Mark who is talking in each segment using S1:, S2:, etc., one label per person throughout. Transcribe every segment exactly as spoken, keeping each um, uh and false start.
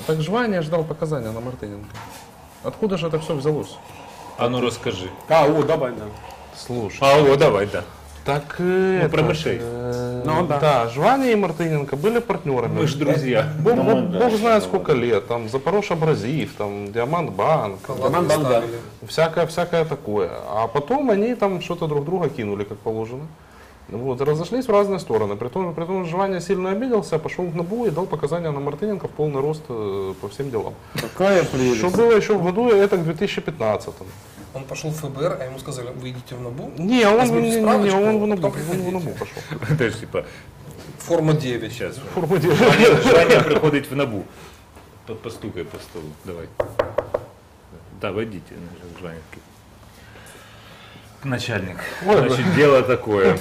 S1: Так Жваня ждал показания на Мартыненко. Откуда же это все взялось?
S2: А ну розкажи.
S3: А, о, давай, да.
S1: Слушай.
S2: А, о, давай, да.
S1: Так ну,
S2: про мышей.
S1: Э,
S3: Ну, да.
S1: да, Жваня и Мартыненко были партнерами.
S2: Мы ж друзья.
S1: Бог,
S4: Ну,
S1: бог,
S4: да,
S1: бог
S4: да,
S1: знает
S4: да,
S1: сколько
S4: да.
S1: лет. Там Запорож Абразив, там Диамант Банк.
S3: Роман Богдан.
S1: Всякое, всякое такое. А потом они там что-то друг друга кинули, как положено. Вот, и разошлись в разные стороны. Притом, притом Жваня сильно обиделся, пошел в НАБУ и дал показания на Мартыненко в полный рост э, по всем делам.
S3: Какая прелесть.
S1: Что было еще в году, это к две тысячи пятнадцатому.
S5: Он пошел в ФБР, а ему сказали, вы идите в НАБУ.
S1: Не, он,
S5: возьмите
S1: не, не, не,
S5: справочку,
S1: он в НАБУ,
S5: потом
S1: он в
S5: приходите.
S1: НАБУ пошел.
S2: То есть, типа,
S5: Форма девять.
S2: сейчас.
S1: Форму делает.
S2: Жваня, Жваня приходить в НАБУ. По- Постукай по столу. Давай. Да, войдите. Жваня. Начальник. Значит, дело такое.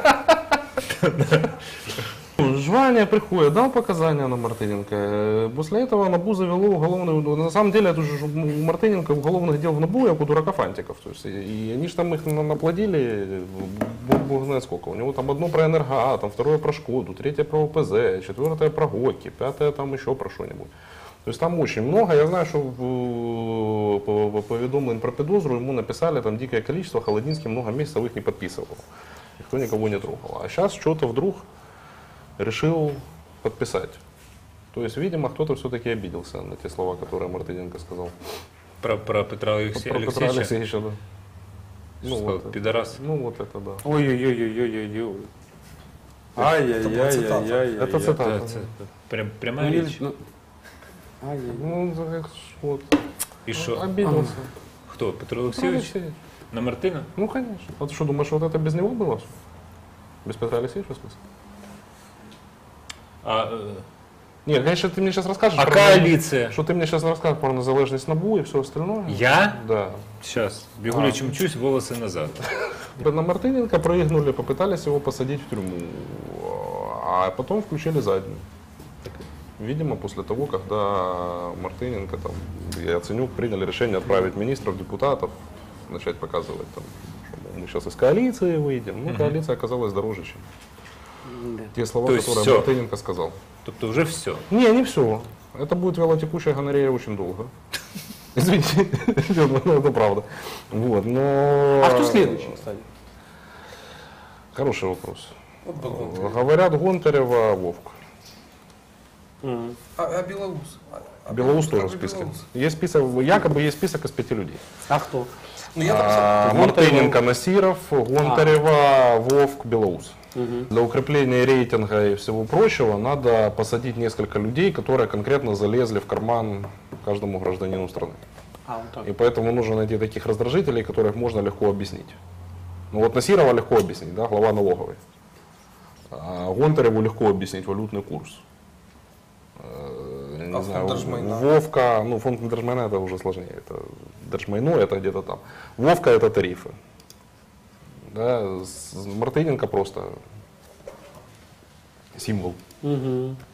S1: Жваня приходит, дал показания на Мартыненко. После этого НАБУ завело уголовную... На самом деле, это же у Мартыненко уголовных дел в НАБУ, как у дурака фантиков. То есть, и они же там их на- наплодили, бог, бог знает сколько. У него там одно про Энергоатом, второе про Шкоду, третье про ОПЗ, четвертое про ГОКи, пятое там еще про что-нибудь. То есть там очень много. Я знаю, что в, по, по поведомлению про подозру ему написали там дикое количество, Холодинский много месяцев их не подписывал. Никто никого не трогал. А сейчас что-то вдруг решил подписать. То есть, видимо, кто-то все-таки обиделся на те слова, которые Мартыненко сказал.
S2: Про, про Петра Алексея,
S1: Про Петра
S2: Алексеевича.
S1: Алексеевича, да.
S2: Что сказал,
S1: вот это.
S2: пидорас.
S1: Ну вот это да.
S3: Ой-ой-ой-ой-ой-ой.
S5: цитата.
S3: Ай-яй-яй-яй-яй.
S1: Это
S2: Да,
S1: цитата.
S2: это прям,
S3: Ну,
S2: прямая
S3: не-
S2: речь.
S3: ну, ай-яй-яй.
S1: Ну, так вот.
S2: И что?
S1: Обиделся.
S2: Кто? Петро
S1: Петр
S2: Алексеевич?
S1: Алексеевич.
S2: На Мартына?
S1: Ну, конечно. А ты что, думаешь, вот это без него было? всё? Без Петра Алексеевича, в смысле?
S2: А, э,
S1: Нет, конечно, ты мне сейчас расскажешь.
S2: а
S1: про-
S2: коалиция?
S1: Что ты мне сейчас расскажешь про незалежность НАБУ и все остальное.
S2: Я?
S1: Да.
S2: Сейчас. Бегу
S1: А.
S2: лечим чусь, волосы назад.
S1: На Мартыненко прыгнули, попытались его посадить в тюрьму, а потом включили заднюю. Видимо, после того, когда Мартыненко, там, и Яценюк приняли решение отправить министров, депутатов, начать показывать, там, что мы сейчас из коалиции выйдем. Ну, коалиция оказалась дороже, чем
S3: Да.
S1: те слова,
S2: То есть
S1: которые
S2: всё.
S1: Мартыненко сказал.
S2: Тобто уже все.
S1: Не, не все. Это будет велотекущая гонорея очень долго. Извините, ну, это правда. Вот, но...
S3: А кто следующий, кстати?
S1: Хороший вопрос.
S5: Вот бы Гонтарев.
S1: Говорят, Гонтарева, Вовк.
S3: Мгм.
S5: А, а Белоус? А- а
S1: Белоус
S5: как
S1: тоже в
S5: же
S1: списке.
S5: Белоус?
S1: Есть список, якобы есть список из пяти людей.
S3: А кто?
S5: Ну я там
S1: А, Мартыненко, Насиров, Гонтарева, Вовк, Белоус.
S3: Мгм.
S1: Для укрепления рейтинга и всего прочего надо посадить несколько людей, которые конкретно залезли в карман каждому гражданину страны.
S3: А, вот так.
S1: И поэтому нужно найти таких раздражителей, которых можно легко объяснить. Ну вот Насирова легко объяснить, да, глава налоговой. А Гонтареву легко объяснить валютный курс. Э, я не
S5: А
S1: знаю,
S5: фонд Держмайна?
S1: Вовка, ну фонд Держмайна это уже сложнее. Это Держмайно это где-то там. Вовка это тарифы. Да, с- Мартыненко просто символ.
S3: Мгм.